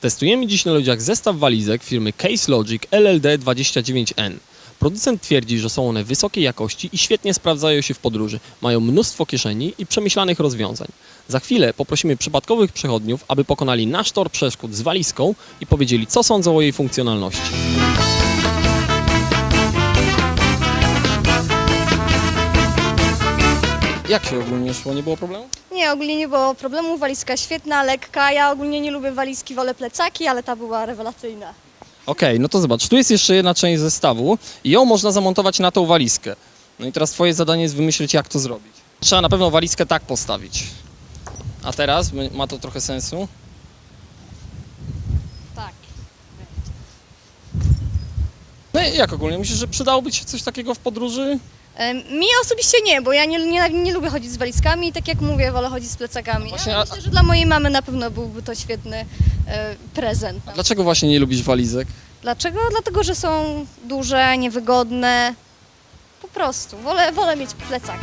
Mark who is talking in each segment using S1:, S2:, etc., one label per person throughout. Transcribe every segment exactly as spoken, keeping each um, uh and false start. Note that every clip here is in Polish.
S1: Testujemy dziś na ludziach zestaw walizek firmy Case Logic L L D dwadzieścia dziewięć N. Producent twierdzi, że są one wysokiej jakości i świetnie sprawdzają się w podróży. Mają mnóstwo kieszeni i przemyślanych rozwiązań. Za chwilę poprosimy przypadkowych przechodniów, aby pokonali nasz tor przeszkód z walizką i powiedzieli, co sądzą o jej funkcjonalności. Jak się ogólnie szło? Nie było problemu?
S2: Nie, ogólnie nie było problemu, walizka świetna, lekka. Ja ogólnie nie lubię walizki, wolę plecaki, ale ta była rewelacyjna.
S1: Okej, okay, no to zobacz, tu jest jeszcze jedna część zestawu i ją można zamontować na tą walizkę. No i teraz twoje zadanie jest wymyślić, jak to zrobić. Trzeba na pewno walizkę tak postawić. A teraz ma to trochę sensu.
S2: Tak.
S1: No i jak ogólnie? Myślisz, że przydałoby ci się coś takiego w podróży?
S2: E, Mi osobiście nie, bo ja nie, nie, nie lubię chodzić z walizkami i tak jak mówię, wolę chodzić z plecakami.
S1: Właśnie,
S2: Ale
S1: a-
S2: myślę, że dla mojej mamy na pewno byłby to świetny e, prezent.
S1: Dlaczego właśnie nie lubisz walizek?
S2: Dlaczego? Dlatego, że są duże, niewygodne. Po prostu. Wolę, wolę mieć plecak.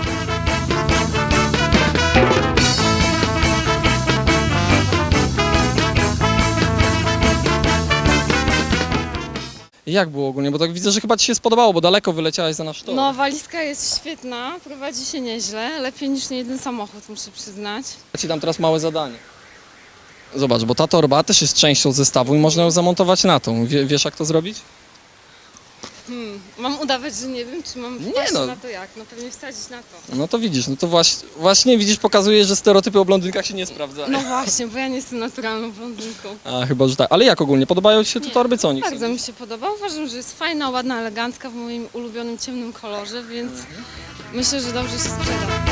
S1: Jak było ogólnie? Bo tak widzę, że chyba ci się spodobało, bo daleko wyleciałeś za nasz tor.
S3: No, walizka jest świetna, prowadzi się nieźle, lepiej niż nie jeden samochód, muszę przyznać.
S1: Ja ci dam teraz małe zadanie. Zobacz, bo ta torba też jest częścią zestawu i można ją zamontować na tą. Wie, wiesz, jak to zrobić?
S3: Hmm, mam udawać, że nie wiem, czy mam
S1: Nie
S3: wpaść
S1: no.
S3: na to jak? No pewnie wsadzić na to.
S1: No to widzisz, no to właśnie, właśnie widzisz, pokazuje, że stereotypy o blondynkach się nie sprawdzają.
S3: No właśnie, bo ja nie jestem naturalną blondynką.
S1: A chyba, że tak. Ale jak ogólnie? Podobają ci się te
S3: Nie,
S1: torby? Co o nich
S3: Bardzo
S1: sądzisz?
S3: mi się podoba, uważam, że jest fajna, ładna, elegancka w moim ulubionym ciemnym kolorze, więc myślę, że dobrze się sprzeda.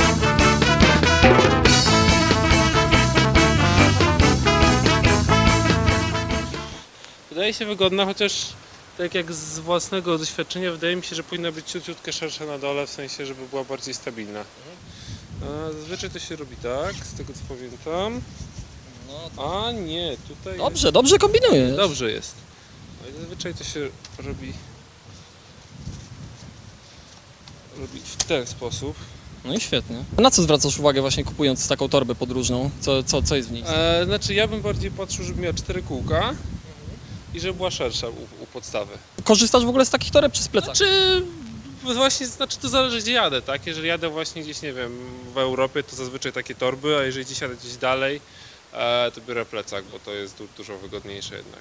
S4: Wydaje się wygodna, chociaż tak jak z własnego doświadczenia wydaje mi się, że powinna być ciutkę szersza na dole, w sensie, żeby była bardziej stabilna. A zazwyczaj to się robi tak, z tego co pamiętam. A nie, tutaj
S1: Dobrze, dobrze kombinujesz.
S4: jest. Dobrze jest. No i zazwyczaj to się robi, robi w ten sposób.
S1: No i świetnie. A na co zwracasz uwagę właśnie kupując taką torbę podróżną? Co, co, co jest w niej?
S4: E, znaczy ja bym bardziej patrzył, żeby miała cztery kółka i żeby była szersza u, u podstawy.
S1: Korzystasz w ogóle z takich toreb czy z plecaka?
S4: Znaczy, właśnie, znaczy to zależy gdzie jadę, tak? Jeżeli jadę właśnie gdzieś, nie wiem, w Europie, to zazwyczaj takie torby, a jeżeli gdzieś jadę gdzieś dalej, e, to biorę plecak, bo to jest du dużo wygodniejsze jednak.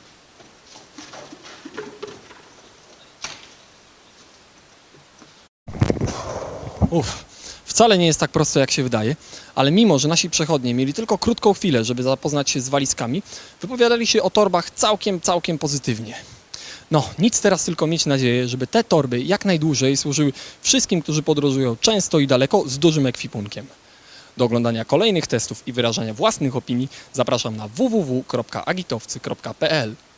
S1: Uff, wcale nie jest tak prosto, jak się wydaje, ale mimo, że nasi przechodnie mieli tylko krótką chwilę, żeby zapoznać się z walizkami, wypowiadali się o torbach całkiem, całkiem pozytywnie. No, nic teraz tylko mieć nadzieję, żeby te torby jak najdłużej służyły wszystkim, którzy podróżują często i daleko z dużym ekwipunkiem. Do oglądania kolejnych testów i wyrażania własnych opinii zapraszam na w w w kropka agitowcy kropka p l.